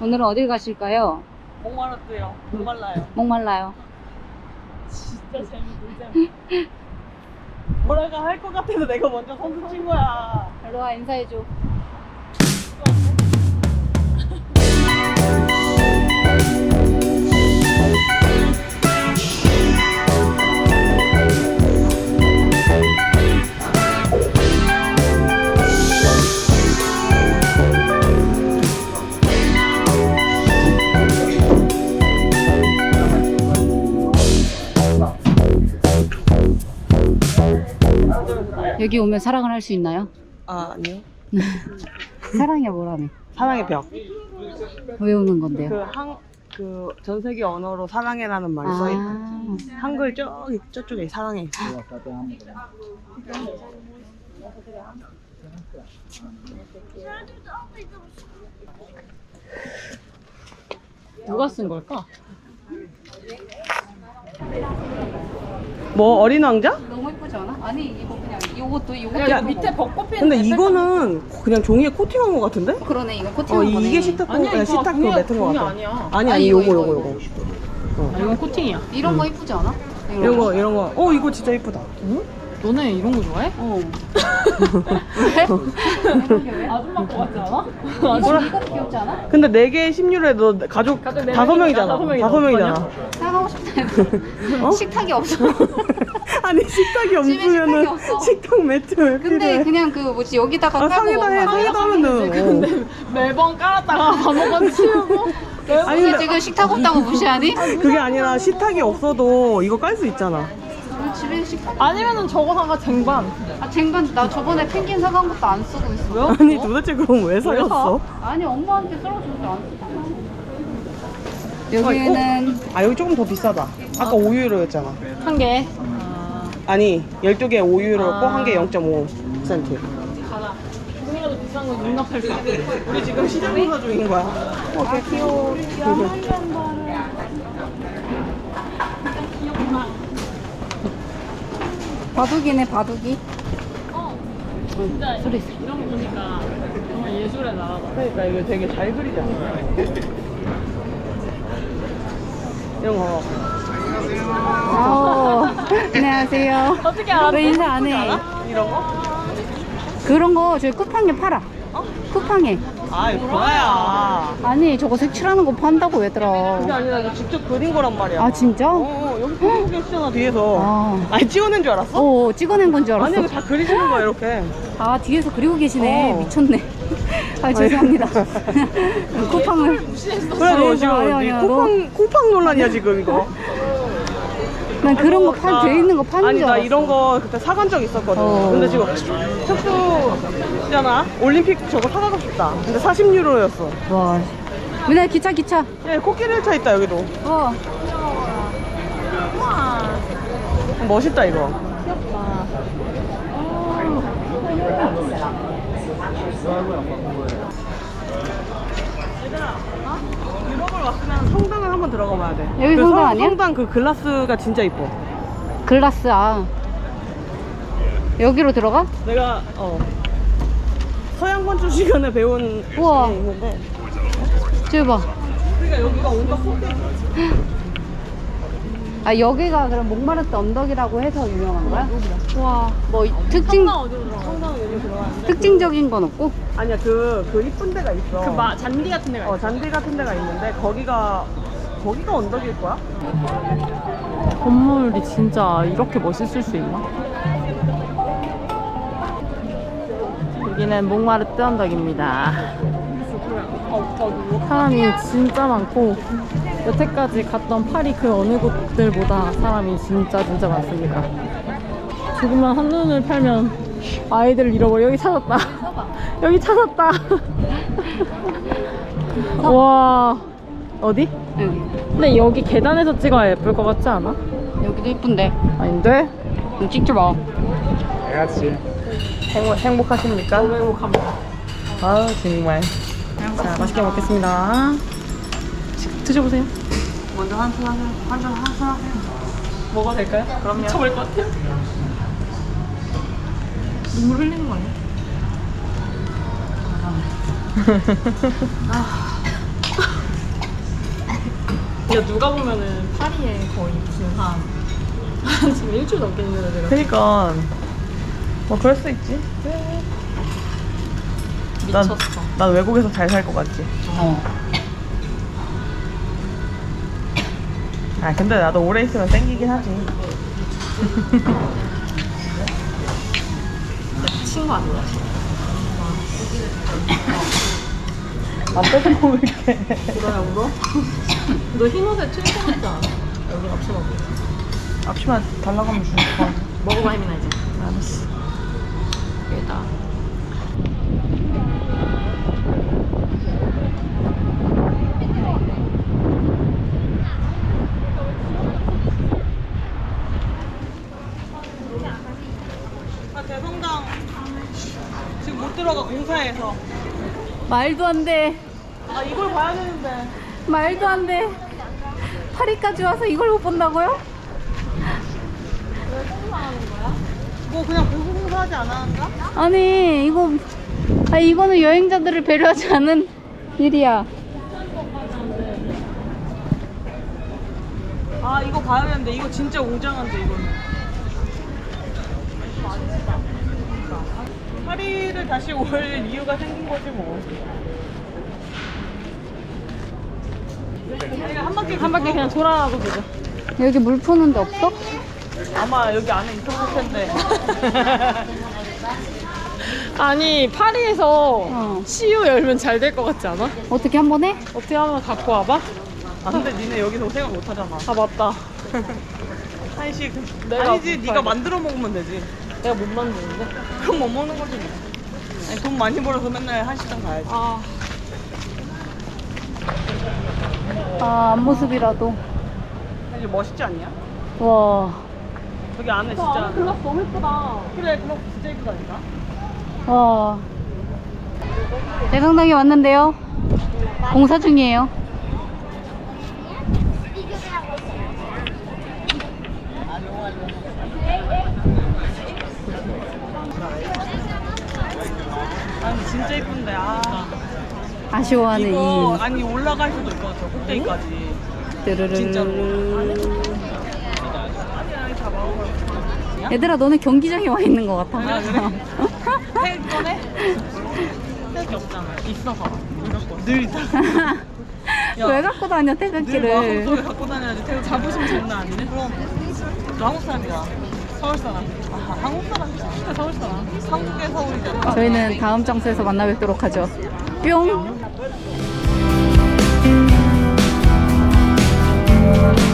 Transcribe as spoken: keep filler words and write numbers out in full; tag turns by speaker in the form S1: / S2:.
S1: 오늘은 어딜 가실까요?
S2: 목말랐대요. 목말라요.
S1: 목말라요.
S2: 진짜 재밌어. 뭐라가 할 것 같아서 내가 먼저 선수 친 거야.
S1: 일로와 인사해줘. 여기 오면 사랑을 할 수 있나요?
S2: 아 아니요.
S1: 사랑이 뭐라며?
S2: 사랑의 벽.
S1: 외우는 건데요.
S2: 그 한 그 전 세계 언어로 사랑해라는 말이 써 있고
S1: 아,
S2: 한글 저기 저쪽에 사랑해.
S3: 누가 쓴 걸까?
S2: 뭐 어린 왕자?
S1: 너무 예쁘지 않아? 아니 이거 그냥 이것도 이것도
S3: 야,
S1: 예쁘고.
S3: 밑에 벚꽃 피는
S2: 근데 이거는 그냥 종이에 코팅한 거 같은데?
S1: 그러네 이거
S2: 어
S1: 코팅한 거네.
S2: 이게 시타 코
S3: 아니야,
S2: 아니,
S3: 이거
S2: 시타 그
S3: 종이야,
S2: 매트인 거
S3: 종이
S2: 같아.
S3: 아니야.
S2: 아니 아니
S1: 아니,
S2: 요거
S1: 이거,
S2: 요거
S1: 이거,
S2: 요거.
S3: 아, 이건 코팅이야.
S1: 이런 거 예쁘지 않아?
S2: 이런 거 이런 거. 어 이거 진짜 예쁘다.
S3: 응? 너네 이런 거 좋아해?
S1: 어. 왜?
S3: 아줌마 거 같지 않아?
S1: 이거 이거 귀엽지 않아?
S2: 근데 네 개 십 유로에 너 가족
S3: 가족 네
S2: 다섯
S3: 명이니까
S2: 명이잖아.
S3: 다섯 명이다.
S2: 다섯 명이잖아.
S1: 사가고 싶다 해도
S2: 어?
S1: 식탁이 없어.
S2: 아니 식탁이
S1: 집에
S2: 없으면은
S1: 식탁이 없어.
S2: 식탁 매트 왜
S1: 근데
S2: 필요해?
S1: 그냥 그 뭐지 여기다가
S2: 아
S1: 깔고
S2: 상에다 해
S1: 먹으면
S2: 상에다 하면 돼. 어.
S3: 근데 매번 깔았다가 밥먹어 치우고
S2: 아니
S1: 근데
S2: 근데
S1: 지금 식탁 없다고 무시하니?
S2: 그게 아니라 식탁이 없어도 이거 깔 수 있잖아.
S1: 우리 집에 식탁
S3: 아니면은 저거 사가 쟁반.
S1: 아 쟁반 나 저번에 펭귄 사간 것도 안 쓰고 있어.
S2: 아니 도대체 그럼 왜 사였어?
S1: 아니 엄마한테 썰어줘서 안 쓰고. 여기는
S2: 아 여기 조금 더 비싸다. 아까 오 유로였잖아.
S3: 한 개.
S2: 아니 열두 개 오 유로였고
S3: 아.
S2: 한 개 영 점 오 센트.
S3: 가자. 조금이라도 비싼 거 용납할 수 있어.
S2: 우리 지금 시장 조사 중인 거야. 어, 개 귀여워.
S1: 바둑이네 바둑이.
S3: 진짜
S1: 소리.
S3: 이런 거 보니까 정말 예술의 나라다.
S2: 그러니까 이거 되게 잘 그리잖아. 이런 거.
S1: 어, 안녕하세요.
S3: 어떻게 알아?
S1: 왜 인사 안 해?
S2: 이런 거?
S1: 그런 거 저희 쿠팡에 팔아. 쿠팡에.
S2: 아이 뭐야.
S1: 아니 저거 색칠하는 거 판다고 얘들아.
S2: 그게 아니라 이거 직접 그린 거란 말이야.
S1: 아 진짜?
S2: 어, 어 여기 그리고 계시잖아 뒤에서.
S1: 아.
S2: 아니 찍어낸 줄 알았어?
S1: 어 찍어낸 건 줄
S2: 아니
S1: 알았어.
S2: 이거 다 그리시는 거야 이렇게.
S1: 아 뒤에서 그리고 계시네.
S2: 어.
S1: 미쳤네. 아 죄송합니다. 쿠팡을.
S2: 그래 너
S1: 아니,
S2: 지금
S1: 아니,
S2: 네
S1: 아니야,
S2: 쿠팡 쿠팡 논란이야 지금 이거.
S1: 난 그런 거
S2: 나-
S1: 판, 돼 있는 거 파는
S2: 아니
S1: 줄
S2: 나
S1: 알았어.
S2: 이런 거 그때 사간 적 있었거든.
S1: 어.
S2: 근데 지금 척수잖아. 올림픽 저거 사가고 싶다. 근데 사십 유로였어.
S1: 와. 민아 기차 기차.
S2: 예, 코끼리 열차 있다 여기도.
S1: 와.
S2: 멋있다 이거. 유럽을 왔으면 성당을 한번 들어가 봐야 돼.
S1: 여기
S2: 그
S1: 성당
S2: 성-
S1: 아니야?
S2: 성당 그 글라스가 진짜 이뻐.
S1: 글라스 아. 여기로 들어가?
S2: 내가 어 서양 건축 시간에 배운
S1: 우와.
S2: 게 있는데.
S1: 저기 봐.
S2: 그러니까 여기가 온갖 콘텐츠.
S1: 아 여기가 그럼 목마르트 언덕이라고 해서 유명한 거야? 와. 뭐 특징
S3: 어디로 들어가?
S2: 성당 여기 들어가.
S1: 특징적인 건 없고?
S2: 아니야 그 그 이쁜 데가 있어.
S3: 그 마, 잔디 같은 데가
S2: 어
S3: 있어.
S2: 잔디 같은 데가 있는데 거기가 거기가 언덕일 거야?
S3: 건물이 진짜 이렇게 멋있을 수 있나? 여기는 몽마르트 언덕입니다. 사람이 진짜 많고 여태까지 갔던 파리 그 어느 곳들보다 사람이 진짜 진짜 많습니다. 조금만 한눈을 팔면 아이들을 잃어버려. 여기 찾았다. 여기 찾았다. 와, 어디?
S1: 여기.
S3: 근데 여기 계단에서 찍어야 예쁠 것 같지 않아?
S1: 여기도 예쁜데.
S3: 아닌데?
S1: 좀 찍지 마.
S2: 행복, 행복하십니까?
S3: 너무 행복합니다.
S2: 아 정말.
S3: 자, 맛있게 먹겠습니다. 드셔보세요.
S2: 먼저 한잔 하세요. 한잔 한잔 하세요.
S3: 먹어도 될까요? 그럼요. 미쳐버릴 것 같아요. 눈물 흘리는 거 아니야? 이거 누가 보면은 파리에 거의 무슨 한, 한 지금 일주일 넘게 있는 애들.
S2: 그니까 뭐 그럴 수 있지. 난,
S3: 미쳤어.
S2: 난 외국에서 잘 살 것 같지.
S1: 어.
S2: 아 근데 나도 오래 있으면 땡기긴 하지.
S3: 친구 아니야?
S2: 안 뺏어 먹을게.
S3: 울어야 울어? 너 흰 옷에 칠성 같지 않아? 여기 앞치마 뭐.
S2: 앞치마 달라고 하면 주는 거.
S3: 먹어봐 혜민아 이제.
S2: 알았어.
S3: 여기다.
S2: 아 대성당 지금 못 들어가 공사해서.
S1: 말도 안 돼.
S2: 아 이걸 봐야 되는데.
S1: 말도 안 돼. 파리까지 와서 이걸 못 본다고요?
S2: 뭐 그냥 보수 공사하지 않았는가?
S1: 아니 이거 아 이거는 여행자들을 배려하지 않은 일이야.
S2: 아 이거 봐야 되는데 이거 진짜 웅장한데 이거는. 파리를 다시 올 이유가 생긴 거지 뭐. 우리가 한 바퀴
S3: 한 바퀴 그냥 돌아가고 보자.
S1: 여기 물 푸는 데 없어?
S2: 아마 여기 안에 있었을 텐데.
S3: 아니 파리에서
S1: 어.
S3: 씨유 열면 잘 될 것 같지 않아?
S1: 어떻게 한 번 해?
S3: 어떻게 하면 갖고 와봐?
S2: 아 근데 니네 여기서 생각 못 하잖아.
S3: 아 맞다.
S2: 한식.
S3: 내가
S2: 아니지
S3: 못
S2: 네가
S3: 팔게.
S2: 만들어 먹으면 되지.
S3: 내가 못 만드는데?
S2: 그럼 못 먹는 거지 뭐. 아니, 돈 많이 벌어서 맨날 한식당 가야지.
S3: 아
S1: 아 앞모습이라도.
S2: 사실 멋있지 않냐?
S1: 와.
S2: 여기 안에 진짜.
S3: 글라스 너무 예쁘다.
S2: 그래 그럼 진짜 이쁘다니까.
S1: 와. 대성당에 왔는데요. 공사 중이에요.
S2: 아니 진짜 이쁜데 아.
S1: 아쉬워하는
S2: 이거
S1: 이.
S2: 아니 올라갈 수도 있거든 저 꼭대기까지.
S1: 르르르.
S2: 진짜로. 아니 아니 다 먹어.
S1: 얘들아 너네 경기장에 와 있는 것 같아.
S2: 아, 그래? 태 꺼내? 태극기 없잖아. 있어서. 늘 있다. 야,
S1: 왜 갖고 다녀
S2: 늘
S1: 태극기를?
S2: 마음속에 갖고 다녀야지. 태극기 자부심 장난 아니네. 그럼 너 한국 사람이야. 서울 사람. 아, 한국 사람이야. 서울 사람. 한국의 서울이잖아.
S1: 저희는 다음 장소에서 만나 뵙도록 하죠. 뿅.